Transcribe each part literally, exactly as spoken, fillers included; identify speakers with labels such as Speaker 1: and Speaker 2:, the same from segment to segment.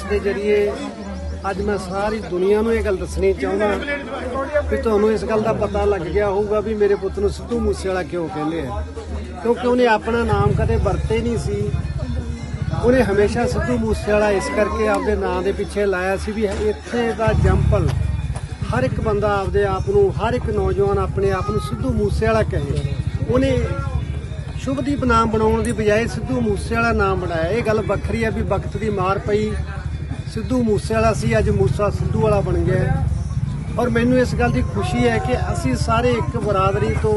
Speaker 1: के जरिए अज मैं सारी दुनिया नूं ये गल दसनी चाहुंदा कि तुहानूं इस गल दा पता लग गया होगा भी मेरे पुत्त नूं सिद्धू मूसेवाला क्यों कहंदे आ, क्योंकि उन्हें अपना नाम कदे वरते नहीं सी। उन्हें हमेशा सिद्धू मूसेवाला इस करके आपदे नाम दे पिछे लाया सी भी इत्थे दा जंपल हर एक बंदा आपदे आप नूं, हर एक नौजवान अपने आप नूं सिद्धू मूसेवाला कहे। उन्हें शुभदीप नाम बनाउण दी बजाय सिद्धू मूसेवाला नाम बनाया। ये गल वखरी है भी वक्त दी मार पई, सिद्धू मूसेवाला सी अज मूसा सिद्धू वाला बन गया। और मैनूं इस गल की खुशी है कि असी सारे एक बरादरी तो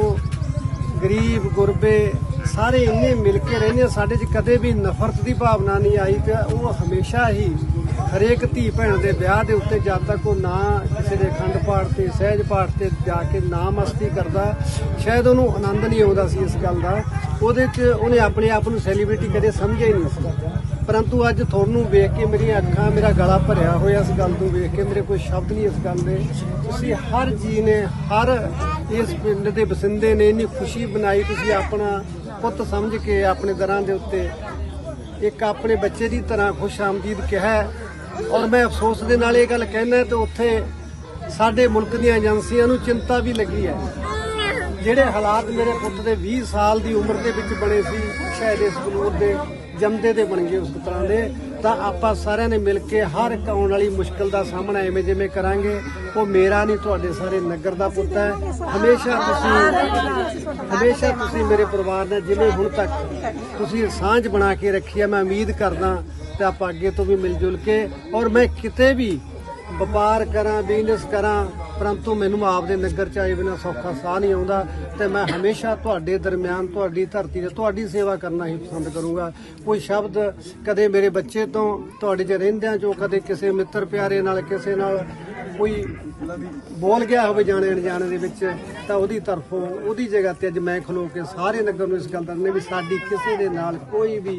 Speaker 1: गरीब गुरबे सारे इन्ने मिल के रहने, साडे च कदे भी नफरत की भावना नहीं आई। तो वो हमेशा ही हरेक धी भैन के ब्याह के उत्ते जद तक वो ना किसी के अखंड पाठ से सहज पाठ से जाके ना मस्ती करता, शायद उन्होंने आनंद नहीं आता सी इस गल का। ਉਹਦੇ 'ਚ ਉਹਨੇ ਆਪਣੇ ਆਪ ਨੂੰ ਸੈਲੀਬ੍ਰਿਟੀ ਕਦੇ ਸਮਝਿਆ ਹੀ ਨਹੀਂ ਸੀ। परंतु अज ਤੁਹਾਨੂੰ ਵੇਖ ਕੇ ਮੇਰੀਆਂ ਅੱਖਾਂ, ਮੇਰਾ ਗਲਾ ਭਰਿਆ ਹੋਇਆ ਇਸ ਗੱਲ ਨੂੰ ਵੇਖ ਕੇ, ਮੇਰੇ ਕੋਈ ਸ਼ਬਦ ਨਹੀਂ ਇਸ ਗੱਲ ਦੇ। ਤੁਸੀਂ ਹਰ ਜੀ ਨੇ, ਹਰ ਇਸ ਪਿੰਡ ਦੇ ਬਸਿੰਦੇ ਨੇ ਇੰਨੀ ਖੁਸ਼ੀ ਬਣਾਈ। ਤੁਸੀਂ ਆਪਣਾ ਪੁੱਤ ਸਮਝ ਕੇ ਆਪਣੇ ਦਰਾਂ ਦੇ ਉੱਤੇ ਇੱਕ ਆਪਣੇ ਬੱਚੇ ਦੀ ਤਰ੍ਹਾਂ ਖੁਸ਼ ਆਮਦੀਦ ਕਿਹਾ। ਔਰ ਮੈਂ ਅਫਸੋਸ ਦੇ ਨਾਲ ਇਹ ਗੱਲ ਕਹਿਣਾ ਤੇ ਉੱਥੇ ਸਾਡੇ ਮੁਲਕ ਦੀਆਂ ਏਜੰਸੀਆਂ ਨੂੰ ਚਿੰਤਾ ਵੀ ਲੱਗੀ ਹੈ। ਜਿਹੜੇ ਹਾਲਾਤ ਮੇਰੇ ਪੁੱਤ ਦੇ ਵੀਹ ਸਾਲ ਦੀ ਉਮਰ ਦੇ ਵਿੱਚ ਬਣੇ ਸੀ, ਸ਼ਾਇਦ ਇਸ ਬਲੂਰ ਦੇ ਜੰਮਦੇ ਦੇ ਬਣ ਗਏ ਉਸ ਤਰ੍ਹਾਂ ਦੇ। ਤਾਂ ਆਪਾਂ ਸਾਰਿਆਂ ਨੇ ਮਿਲ ਕੇ ਹਰ ਇੱਕ ਆਉਣ ਵਾਲੀ ਮੁਸ਼ਕਲ ਦਾ ਸਾਹਮਣਾ ਐਵੇਂ ਜਿਵੇਂ ਕਰਾਂਗੇ। ਉਹ ਮੇਰਾ ਨਹੀਂ, ਤੁਹਾਡੇ ਸਾਰੇ ਨਗਰ ਦਾ ਪੁੱਤ ਹੈ। ਹਮੇਸ਼ਾ ਤੁਸੀਂ ਹਮੇਸ਼ਾ ਤੁਸੀਂ ਮੇਰੇ ਪਰਿਵਾਰ ਨਾਲ ਜਿਵੇਂ ਹੁਣ ਤੱਕ ਤੁਸੀਂ ਸਾਂਝ ਬਣਾ ਕੇ ਰੱਖੀ ਹੈ, ਮੈਂ ਉਮੀਦ ਕਰਦਾ ਤੇ ਆਪਾਂ ਅੱਗੇ ਤੋਂ ਵੀ ਮਿਲ ਜੁਲ ਕੇ। ਔਰ ਮੈਂ ਕਿਤੇ ਵੀ ਵਪਾਰ ਕਰਾਂ, ਬਿਜ਼ਨਸ ਕਰਾਂ, परंतु मैनू आपदे नगर च आए बिना सौखा साह नहीं आता। तो मैं हमेशा तुहाडे दरम्यान, तुहाडी धरती ते तुहाडी सेवा करना ही पसंद करूँगा। कोई शब्द कदे मेरे बच्चे तो तुहाडे च रहिंदियां चो कदे किसी मित्र प्यारे नाल किसी नाल कोई बोल गया होवे जाने अनजाने दे विच, तां ओहदी तरफों ओहदी जगह ते अज मैं खलो के सारे नगर नूं इस गल दसने भी साडी किसी दे नाल कोई भी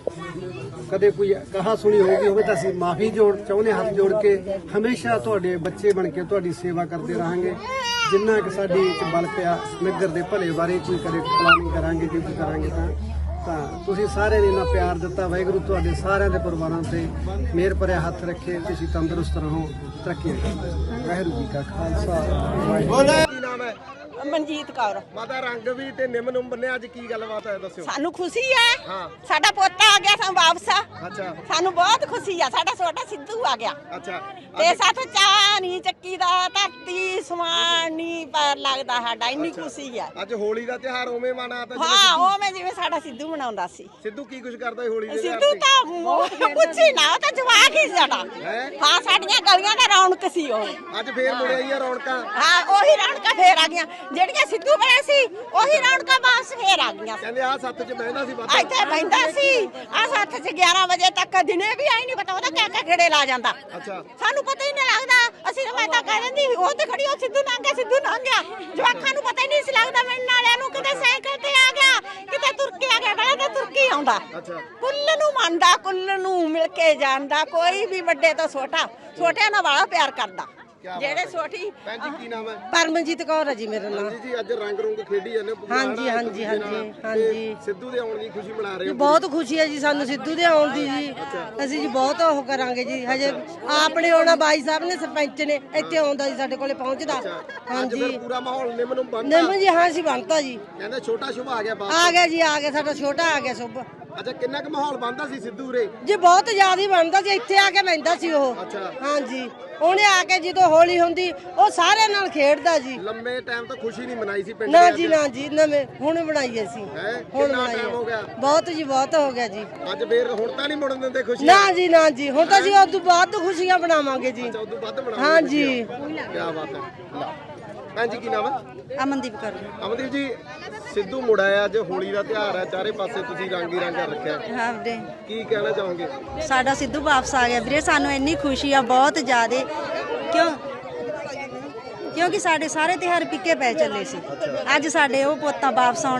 Speaker 1: कदे कोई कहा सुनी होगी होवे तां असीं माफ़ी जोड़ चाहुंदे, हथ जोड़ के हमेशा तुहाडे बच्चे बन के तुहाडी सेवा करते रहांगे। जिन्ना कि साडी बल पिया नगर दे भले बारे कोई कदे प्लानिंग करांगे, जो कुछ करांगे तां ਤਾਂ ਤੁਸੀਂ ਸਾਰਿਆਂ ਨੇ ਇੰਨਾ ਪਿਆਰ ਦਿੱਤਾ। ਵਾਹਿਗੁਰੂ ਤੁਹਾਡੇ ਸਾਰਿਆਂ ਦੇ ਪਰਿਵਾਰਾਂ ਤੇ ਮਿਹਰ ਭਰਿਆ ਹੱਥ ਰੱਖੇ। ਤੁਸੀਂ ਤੰਦਰੁਸਤ ਰਹੋ, ਤਰੱਕੀ ਕਰੋ। ਵਾਹਿਗੁਰੂ ਜੀ ਕਾ ਖਾਲਸਾ, ਵਾਹਿਗੁਰੂ।
Speaker 2: ਕੀ ਨਾਮ ਹੈ?
Speaker 3: ਮਨਜੀਤ ਕੌਰ।
Speaker 2: ਮਾਤਾ ਰੰਗ ਵੀ ਤੇ ਨਿੰਮ ਨੂੰ ਬੰਨਿਆ, ਅੱਜ ਕੀ ਗੱਲਬਾਤ ਹੈ ਦੱਸਿਓ।
Speaker 3: ਸਾਨੂੰ ਖੁਸ਼ੀ ਹੈ,
Speaker 2: ਹਾਂ
Speaker 3: ਸਾਡਾ ਪੋਤਾ ਆ ਗਿਆ ਸਾਨੂੰ ਵਾਪਸ।
Speaker 2: ਅੱਛਾ,
Speaker 3: ਸਾਨੂੰ ਬਹੁਤ ਖੁਸ਼ੀ ਆ, ਸਾਡਾ ਛੋਟਾ ਸਿੱਧੂ ਆ ਗਿਆ।
Speaker 2: ਅੱਛਾ,
Speaker 3: ਤੇ ਸਾਥੋਂ ਚਾਹ ਨਹੀਂ ਚੱਕੀ ਦਾ, ਧਰਤੀ ਸਮਾਨ ਨਹੀਂ ਪੈਰ ਲੱਗਦਾ ਸਾਡਾ, ਇੰਨੀ ਖੁਸ਼ੀ ਆ।
Speaker 2: ਅੱਜ ਹੋਲੀ ਦਾ ਤਿਉਹਾਰ ਉਵੇਂ ਮਨਾਤਾ ਜਿਵੇਂ
Speaker 3: ਹਾਂ,
Speaker 2: ਸਿੱਧੂ-
Speaker 3: ਉਹ ਮੈਂ ਜਿਵੇਂ ਸਾਡਾ ਸਿੱਧੂ ਮਨਾਉਂਦਾ ਸੀ।
Speaker 2: ਸਿੱਧੂ ਕੀ ਕੁਝ ਕਰਦਾ ਸੀ ਹੋਲੀ ਦੇ ਤਿਉਹਾਰ
Speaker 3: ਸਿੱਧੂ
Speaker 2: ਤੇ?
Speaker 3: ਤਾਂ ਕੁਛ ਹੀ ਨਾ, ਉਹ ਤਾਂ ਜਵਾਕ ਹੀ ਸਾਡਾ।
Speaker 2: ਹੈਂ?
Speaker 3: ਹਾਂ, ਸਾਡੀਆਂ ਗਲੀਆਂ ਦਾ ਰੌਣਕ ਸੀ ਉਹ।
Speaker 2: ਅੱਜ ਫੇਰ ਮੁੜ ਆਈ ਆ ਰੌਣਕਾਂ।
Speaker 3: ਹਾਂ, ਉਹੀ ਰੌਣਕਾਂ ਫੇਰ ਆ ਗਈਆਂ ਜਿਹੜੀਆਂ ਸਿੱਧੂ ਬਣਿਆ ਸੀ, ਉਹੀ ਰੌਣਕਾਂ ਵਾਪਸ ਫੇਰ ਆ ਗਈਆਂ।
Speaker 2: ਕਹਿੰਦੇ ਆ ਸੱਤ ਚ ਬਹਿੰਦਾ ਸੀ ਵੱਧ।
Speaker 3: ਇੱਥੇ ਬੈਠਾ ਸੀ ਆ ਸੱਤ ਚ ਗਿਆਰਾਂ ਵਜੇ ਤੱਕ, ਦਿਨੇ ਵੀ ਆਈ ਨਹੀਂ ਪਤਾ ਉਹਦਾ ਕਿਆ ਕਿਆ ਗੇੜੇ ਲਾ ਜਾਂਦਾ।
Speaker 2: ਅੱਛਾ,
Speaker 3: ਸਾਨੂੰ ਪਤਾ ਹੀ ਨਹੀਂ ਲੱਗਦਾ। ਅਸੀਂ ਤਾਂ ਮੈਂ ਤਾਂ ਕਹਿ ਦਿੰਦੀ ਉਹ ਤੇ ਖੜੀ, ਉਹ ਸਿੱਧੂ ਲੰਘ ਗਿਆ, ਸਿੱਧੂ ਲੰਘ ਗਿਆ। ਜਵਾਕਾਂ ਨੂੰ ਪਤਾ ਹੀ ਨਹੀਂ ਸੀ ਲੱਗਦਾ। ਮਿਲਣ ਵਾਲਿਆਂ ਨੂੰ ਕਿਤੇ ਸਾਈਕਲ ਤੇ ਆ ਗਿਆ, ਕਿਤੇ ਤੁਰ ਕੇ ਆ ਗਿਆ, ਬੜਾ ਤਾਂ ਤੁਰ ਕੇ ਆਉਂਦਾ।
Speaker 2: ਅੱਛਾ,
Speaker 3: ਕੁੱਲ ਨੂੰ ਮੰਨਦਾ, ਕੁੱਲ ਨੂੰ ਮਿਲ ਕੇ ਜਾਂਦਾ। ਕੋਈ ਵੀ ਵੱਡੇ ਤੋਂ ਛੋਟਾ, ਛੋਟਿਆਂ ਨਾਲ ਵਾਲਾ ਪਿਆਰ ਕਰਦਾ।
Speaker 2: ਕਿਆ ਬਾਤ
Speaker 3: ਜਿਹੜੇ
Speaker 2: ਹੈ।
Speaker 3: ਛੋਟੀ
Speaker 2: ਭੈਣ ਜੀ ਕੀ ਨਾਮ ਹੈ?
Speaker 4: ਪਰਮਜੀਤ ਕੌਰ ਹੈ ਜੀ ਮੇਰਾ ਨਾਮ।
Speaker 2: ਜੀ ਜੀ ਅੱਜ ਰੰਗ ਰੁੰਗ ਖੇਡੀ ਜਾਂਦੇ ਹੋ,
Speaker 4: ਹਾਂਜੀ,
Speaker 2: ਇੱਕ
Speaker 4: ਹਾਂਜੀ,
Speaker 2: ਦੂਜੇ
Speaker 4: ਹਾਂਜੀ,
Speaker 2: ਨਾਲ,
Speaker 4: ਹਾਂਜੀ।
Speaker 2: ਤੇ ਸਿੱਧੂ ਦੇ ਆਉਣ ਦੀ ਖੁਸ਼ੀ ਮਨਾ ਰਹੇ ਹੋ?
Speaker 4: ਬਹੁਤ ਖੁਸ਼ੀ ਹੈ ਜੀ ਸਾਨੂੰ ਸਿੱਧੂ ਦੇ ਆਉਣ ਦੀ ਜੀ। ਅਸੀਂ ਜੀ ਬਹੁਤ ਉਹ ਕਰਾਂਗੇ ਜੀ। ਹਜੇ ਆਪਣੇ ਆਉਣਾ ਬਾਈ ਸਾਹਿਬ ਨੇ, ਸਰਪੰਚ ਨੇ ਇੱਥੇ ਆਉਂਦਾ ਜੀ, ਸਾਡੇ ਕੋਲੇ ਪਹੁੰਚਦਾ।
Speaker 2: ਅੱਜ
Speaker 4: ਹਾਂਜੀ
Speaker 2: ਫਿਰ ਪੂਰਾ ਮਾਹੌਲ ਨਿੰਮ ਨੂੰ ਬੰਨ੍ਹਦਾ।
Speaker 4: ਨਿੰਮ ਜੀ, ਹਾਂ ਜੀ ਬਣਤਾ ਜੀ।
Speaker 2: ਕਹਿੰਦੇ ਛੋਟਾ ਸ਼ੁਭ ਆ ਗਿਆ ਬਾਪ।
Speaker 4: ਆ ਗਿਆ ਜੀ, ਆ ਗਿਆ ਸਾਡਾ ਛੋਟਾ ਆ ਗਿਆ ਸੁਭ।
Speaker 2: ਅੱਛਾ, ਕਿੰਨਾ ਕੁ ਮਾਹੌਲ ਬੰਦਾ ਸੀ ਸਿੱਧੂ ਰੇ?
Speaker 4: ਜੀ ਬਹੁਤ ਜ਼ਿਆਦਾ ਹੀ ਬਣਦਾ ਸੀ, ਇੱਥੇ ਆ ਕੇ ਬਹਿੰਦਾ ਸੀ ਉਹ।
Speaker 2: ਅੱਛਾ,
Speaker 4: ਹਾਂਜੀ, ਉਹਨੇ ਆ ਕੇ ਜਦੋਂ ਹੋਲੀ ਹੁੰਦੀ ਉਹ ਸਾਰਿਆਂ ਨਾਲ ਖੇਡਦਾ ਜੀ।
Speaker 2: ਲੰਮੇ ਟਾਈਮ ਤੋਂ ਖੁਸ਼ੀ ਨਹੀਂ ਮਨਾਈ ਸੀ ਪਿੰਡ
Speaker 4: ਨਾ
Speaker 2: ਦੇ
Speaker 4: ਜੀ,
Speaker 2: ਅੱਜ।
Speaker 4: ਨਾ ਜੀ, ਨਵੇਂ ਹੁਣ ਬਣਾਈ ਅਸੀਂ।
Speaker 2: ਹੈਂ?
Speaker 4: ਹੁਣ
Speaker 2: ਕਿੰਨਾ
Speaker 4: ਬਣਾਈ
Speaker 2: time ਹੋ ਗਿਆ?
Speaker 4: ਬਹੁਤ ਜੀ, ਬਹੁਤ ਹੋ ਗਿਆ ਜੀ।
Speaker 2: ਅੱਜ ਫੇਰ ਹੁਣ ਤਾਂ ਨਹੀਂ ਮੁੜਨ ਦਿੰਦੇ ਖੁਸ਼ੀ?
Speaker 4: ਨਾ ਜੀ, ਨਾ ਜੀ, ਹੁਣ ਤਾਂ ਜੀ ਉਦੋਂ ਬਾਅਦ ਖੁਸ਼ੀਆਂ ਬਣਾਵਾਂਗੇ ਜੀ।
Speaker 2: ਅੱਛਾ, ਉਦੋਂ ਵੱਧ ਬਣਾਉਂਦੇ।
Speaker 4: ਹਾਂ ਜੀ।
Speaker 2: ਕੀ ਬਾਤ ਹੈ। ਭੈਣ ਜੀ ਕੀ ਨਾਮ ਹੈ?
Speaker 4: ਅਮਨਦੀਪ ਕਰ
Speaker 2: ਅਮਨਦੀਪ ਜੀ, ਸਿੱਧੂ ਮੁੜ ਆਇਆ, ਅੱਜ ਹੋਲੀ ਦਾ ਤਿਉਹਾਰ ਹੈ, ਚਾਰੇ ਪਾਸੇ ਤੁਸੀਂ ਰੰਗ ਹੀ ਰੰਗ ਰੱਖਿਆ,
Speaker 5: ਹਾਂ ਵੀਰੇ,
Speaker 2: ਕੀ ਕਹਿਣਾ ਚਾਹੋਗੇ?
Speaker 5: ਸਾਡਾ ਸਿੱਧੂ ਵਾਪਸ ਆ ਗਿਆ ਵੀਰੇ। ਸਾਨੂੰ ਇੰਨੀ ਖੁਸ਼ੀ ਆ ਬਹੁਤ ਜ਼ਿਆਦੇ, ਕਿਉਂ ਕਿਉਂਕਿ ਸਾਡੇ ਸਾਰੇ ਤਿਉਹਾਰ ਪਿੱਕੇ ਪੈ ਚੱਲੇ ਸੀ। ਅੱਜ ਸਾਡੇ ਉਹ ਪੋਤਾ ਵਾਪਸ ਆਉਣ